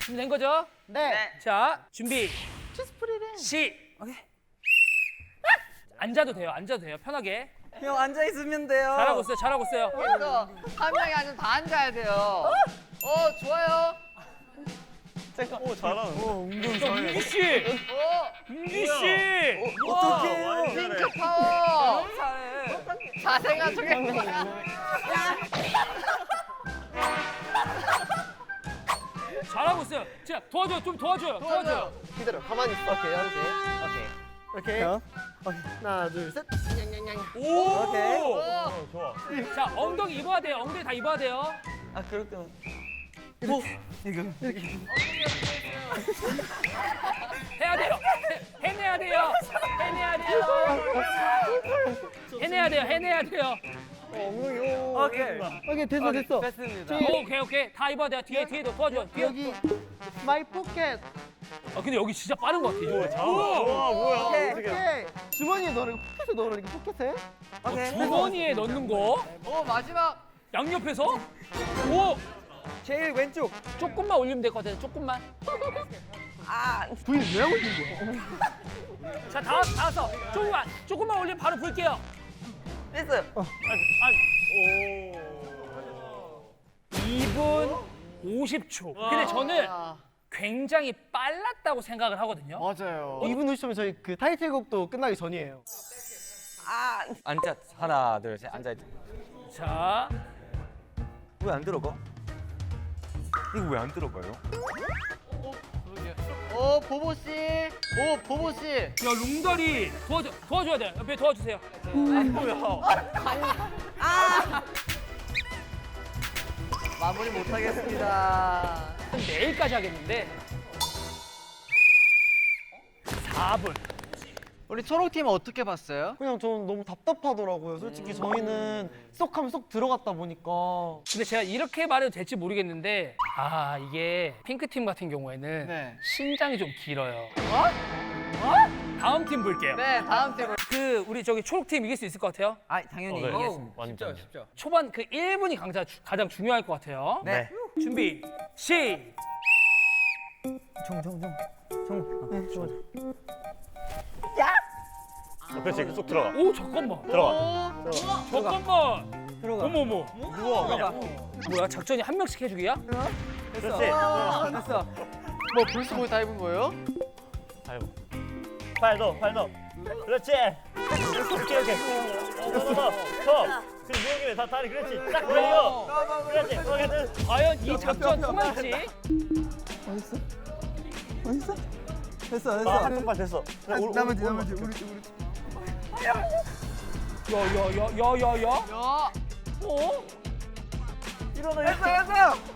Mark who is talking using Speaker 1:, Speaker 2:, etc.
Speaker 1: 준비된 거죠?
Speaker 2: 네.
Speaker 1: 자, 준비.
Speaker 2: 치스프리래.
Speaker 1: 오케이. 앉아도 돼요. 앉아도 돼요. 편하게.
Speaker 3: 형 앉아 있으면 돼요.
Speaker 1: 잘하고 있어요. 잘하고 있어요.
Speaker 4: 그래서 한 명이 아니면 다 앉아야 돼요. 좋아요.
Speaker 5: 오 잘하는.
Speaker 1: 민기 씨. 민기 씨.
Speaker 3: 어떡해요?
Speaker 4: 핑크 파워.
Speaker 3: 잘해.
Speaker 4: 자세가 저게
Speaker 1: 잘하고 있어요. 자, 도와줘요. 좀 도와줘요. 도와줘요.
Speaker 2: 기다려. 가만히 있어. 오케이, 오케이.
Speaker 5: 어?
Speaker 2: 하나, 둘, 셋. 냥냥냥.
Speaker 1: 오.
Speaker 3: 오케이.
Speaker 5: 좋아.
Speaker 1: 자, 엉덩이 입어야 돼요. 엉덩이 다 입어야 돼요.
Speaker 3: 아 그렇게.
Speaker 1: 해야 돼요. 해내야 돼요. 해내야 돼요. 해내야 돼요. 해내야 돼요.
Speaker 3: 오케이.
Speaker 2: 오케이, 됐어, 됐어.
Speaker 3: 됐습니다.
Speaker 1: 오케이. 다 입어야 돼요. 뒤에도 도와줘요. 뒤에.
Speaker 2: 여기 마이 포켓.
Speaker 1: 근데 여기 진짜 빠른 것 같아. 이거.
Speaker 5: 와 뭐야?
Speaker 3: 오케이.
Speaker 5: 어떻게?
Speaker 2: 오케이. 주머니에 넣으라고 포켓에 넣으라고 포켓에.
Speaker 3: 오케이.
Speaker 1: 주머니에 넣는 거.
Speaker 4: 마지막.
Speaker 1: 양옆에서. 오.
Speaker 3: 제일 왼쪽.
Speaker 1: 조금만 올리면 될 것 같아요. 조금만.
Speaker 2: 부인 왜 하고 있는 거야?
Speaker 1: 자, 다 왔어. 조금만 올리면 바로 불게요.
Speaker 3: 됐어요.
Speaker 5: 오.
Speaker 1: 2분 50초. 근데 저는 굉장히 빨랐다고 생각을 하거든요.
Speaker 2: 맞아요. 2분 50초면 저희 그 타이틀곡도 끝나기 전이에요.
Speaker 3: 앉아. 하나, 둘, 셋. 앉아.
Speaker 1: 자,
Speaker 5: 왜 안 들어가? 이거 왜 안 들어가요?
Speaker 4: 보보 씨. 보보 씨.
Speaker 1: 야, 룽다리 도와줘야 돼요. 옆에 도와주세요.
Speaker 4: 마무리 못 하겠습니다.
Speaker 1: 내일까지 하겠는데 4분.
Speaker 4: 우리 초록팀은 어떻게 봤어요?
Speaker 2: 그냥 저는 너무 답답하더라고요. 솔직히 저희는 쏙 하면 쏙 들어갔다 보니까.
Speaker 1: 근데 제가 이렇게 말해도 될지 모르겠는데 이게 핑크팀 같은 경우에는
Speaker 4: 네.
Speaker 1: 신장이 좀 길어요. 다음 팀 볼게요.
Speaker 4: 네, 다음 팀.
Speaker 1: 우리 저기 초록팀 이길 수 있을 것 같아요.
Speaker 3: 당연히
Speaker 5: 네.
Speaker 3: 이기겠습니다.
Speaker 5: 완전.
Speaker 1: 초반 그 1분이 가장 중요할 것 같아요.
Speaker 3: 네.
Speaker 1: 준비, 시.
Speaker 5: 그렇지 쏙 들어가.
Speaker 1: 오, 잠깐만.
Speaker 5: 들어가.
Speaker 1: 잠깐만.
Speaker 3: 들어가.
Speaker 1: 어머머.
Speaker 3: 들어가.
Speaker 1: 뭐야, 작전이 한 명씩 해주기야?
Speaker 3: 됐어.
Speaker 5: 그렇지.
Speaker 3: 됐어.
Speaker 4: 뭐 벌써 거의 다 입은 거예요?
Speaker 5: 팔 넣어. 그렇지. 오케이. 넣어. 그리고 누운 김에 다 다리 그렇지. 딱 벌려. 그렇지. 오케이.
Speaker 1: 과연 이 작전 통할지?
Speaker 3: 됐어.
Speaker 5: 한 발 됐어.
Speaker 2: 나머지 우리.
Speaker 1: 야야야야야야.
Speaker 4: 야.
Speaker 1: 어?
Speaker 5: 일어나.
Speaker 3: 됐어.